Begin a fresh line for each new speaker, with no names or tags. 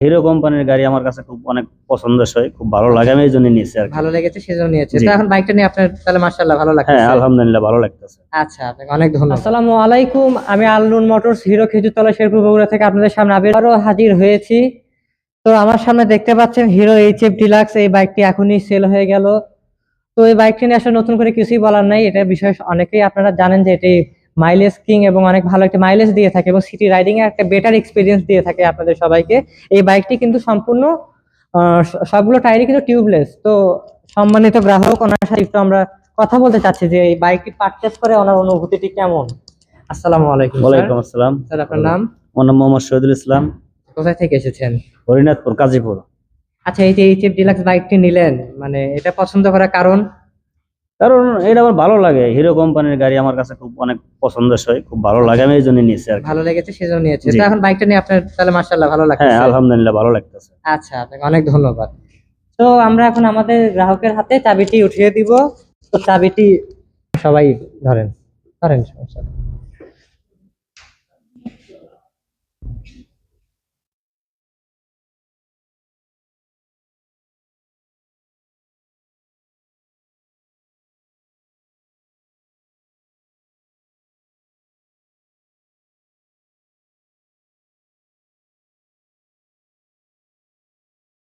Hero কোম্পানির গাড়ি আমার কাছে খুব অনেক পছন্দসই, খুব ভালো লাগে, আমি এই জন্য নিয়েছি আর কি।
ভালো লেগেছে সেজন্য নিয়েছে।
জি।
তো এখন বাইকটা নিয়ে আপনার তাহলে মাশাআল্লাহ ভালো
হ্যাঁ,
লাগতেছে?
আলহামদুলিল্লাহ ভালো লাগতেছে।
আচ্ছা, আপনাকে অনেক ধন্যবাদ। আসসালামু আলাইকুম, আমি আল-নুন মোটরস হিরো খেজুরতলা শেরপুর বগুড়া থেকে আপনাদের সামনে আবারও হাজির হয়েছি। তো আমার সামনে দেখতে পাচ্ছেন হিরো এইচএফ ডিলাক্স, এই বাইকটি এখনই সেল হয়ে গেল। তো এই বাইকটি নিয়ে আসলে নতুন করে কিছুই বলার নাই, এটা বিষয়ে অনেকেই আপনারা জানেন যে এটি মাইলেজ কিং এবং অনেক ভালো একটা মাইলেজ দিয়ে থাকে এবং সিটি রাইডিং এর একটা বেটার এক্সপিরিয়েন্স দিয়ে থাকে আপনাদের সবাইকে। এই বাইকটি কিন্তু সম্পূর্ণ সবগুলো টায়ারই কিন্তু টিউবলেস। তো সম্মানিত গ্রাহক, ওনার সাথে একটু আমরা কথা বলতে চাচ্ছি যে এই বাইকটি পারচেজ করে ওনার অনুভূতিটি কেমন। আসসালামু আলাইকুম স্যার।
ওয়ালাইকুম আসসালাম।
স্যার, আপনার নাম?
আমার নাম মোহাম্মদ শহীদুল ইসলাম,
কোথায় থেকে এসেছেন?
হরিনাথপুর, গাজীপুর।
আচ্ছা, এই যে এইচএফ ডিলাক্স বাইকটি নিলেন, মানে এটা পছন্দ করার কারণ?
কারণ এটা আমার ভালো লাগে, হিরো কোম্পানির গাড়ি আমার কাছে খুব অনেক পছন্দসই, খুব ভালো লাগে, আমি এই জন্য নিয়েছি আর কি।
ভালো লেগেছে সেজন্য নিয়েছে।
জি।
তো এখন বাইকটা নিয়ে আপনার তাহলে মাশাআল্লাহ ভালো
হ্যাঁ,
লাগতেছে?
আলহামদুলিল্লাহ ভালো লাগতেছে।
আচ্ছা, আপনাকে অনেক ধন্যবাদ। তো আমরা এখন আমাদের গ্রাহকের হাতে চাবিটি উঠিয়ে দিব। তো চাবিটি সবাই ধরেন, সমস্যা নেই।